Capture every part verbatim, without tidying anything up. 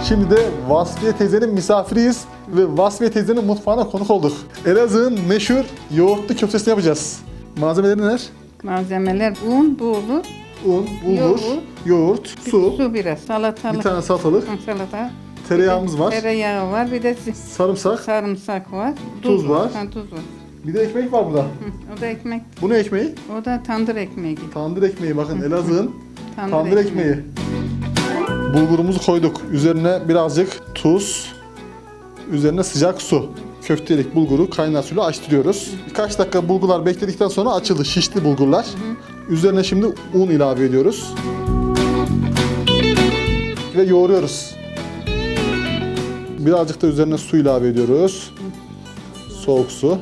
Şimdi de Vasfiye teyzenin misafiriyiz ve Vasfiye teyzenin mutfağına konuk olduk. Elazığ'ın meşhur yoğurtlu köftesini yapacağız. Malzemeleri neler? Malzemeler un, buğulu, Un, bulgur, Yoğurt. yoğurt, su, su biraz, salatalık. bir tane salatalık, Hı, salata. tereyağımız var, Tereyağı var, bir de sarımsak, sarımsak var. Tuz var. Ha, tuz var. bir de ekmek var burada. Hı, o da ekmek, Bu ne ekmeği? o da tandır ekmeği gibi. Tandır ekmeği. Bakın Elazığ'ın Tandır, tandır ekmeği. Bulgurumuzu koyduk. Üzerine birazcık tuz, üzerine sıcak su. Köftelik bulguru kaynar suyla açtırıyoruz. Birkaç dakika bulgular bekledikten sonra açıldı. Şişli bulgurlar. Üzerine şimdi un ilave ediyoruz. Ve yoğuruyoruz. Birazcık da üzerine su ilave ediyoruz. Soğuk su.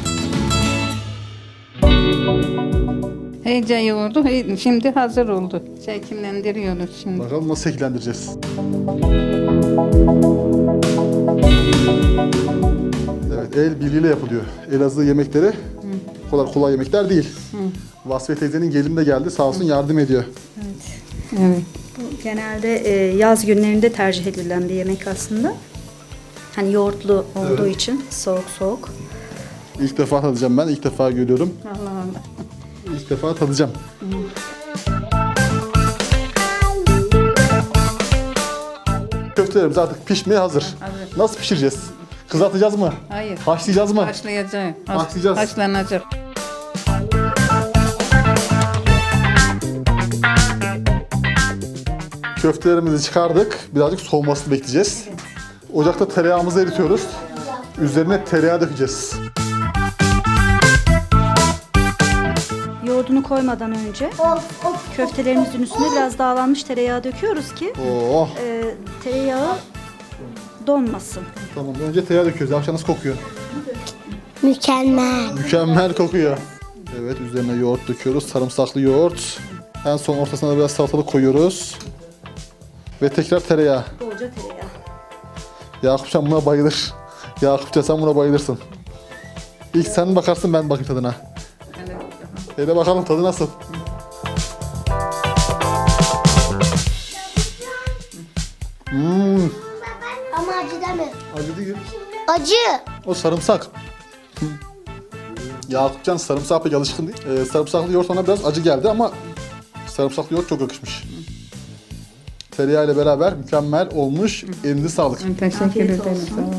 İyice yoğurdu, hey- şimdi hazır oldu. Şekillendiriyoruz şimdi. Bakalım nasıl şekillendireceğiz. Evet, el birliğiyle yapılıyor. Elazığ yemekleri o kadar kolay yemekler değil. Vasfiye teyzenin gelini de geldi, sağ olsun yardım ediyor. Evet. Bu genelde e, yaz günlerinde tercih edilen bir yemek aslında. Hani yoğurtlu olduğu Evet. için soğuk soğuk. İlk defa tadacağım ben, ilk defa görüyorum. Allah Allah. İlk defa tadacağım. Köftelerimiz artık pişmeye hazır. Hazır. Nasıl pişireceğiz? Kızartacağız mı? Hayır. Haşlayacağız mı? Haşlayacağız. Haş- Haşlayacağız. Haşlanacak. Köftelerimizi çıkardık. Birazcık soğumasını bekleyeceğiz. Ocakta tereyağımızı eritiyoruz. Üzerine tereyağı dökeceğiz. Yoğurdunu koymadan önce köftelerimizin üstüne biraz dağlanmış tereyağı döküyoruz ki Oh, e, tereyağı donmasın. tamam. Önce tereyağı döküyoruz. Akşam nasıl kokuyor? Mükemmel. Mükemmel kokuyor. Evet, üzerine yoğurt döküyoruz. Sarımsaklı yoğurt. En son ortasına da biraz salatalık koyuyoruz. Ve tekrar tereyağı. Bolca tereyağı. Yakupcan buna bayılır. Yakupcan sen buna bayılırsın. İlk sen bakarsın, ben bakayım tadına. Hele bakalım tadı nasıl? Hmm, Ama acı deme. acı değil. Acı. O sarımsak. Hı. Yakupcan sarımsağa pek alışkın değil. Ee, sarımsaklı yoğurt ona biraz acı geldi ama sarımsaklı yoğurt çok yakışmış. Tereyağı ile beraber mükemmel olmuş. Elinize sağlık. Teşekkür ederim. Sağ olun.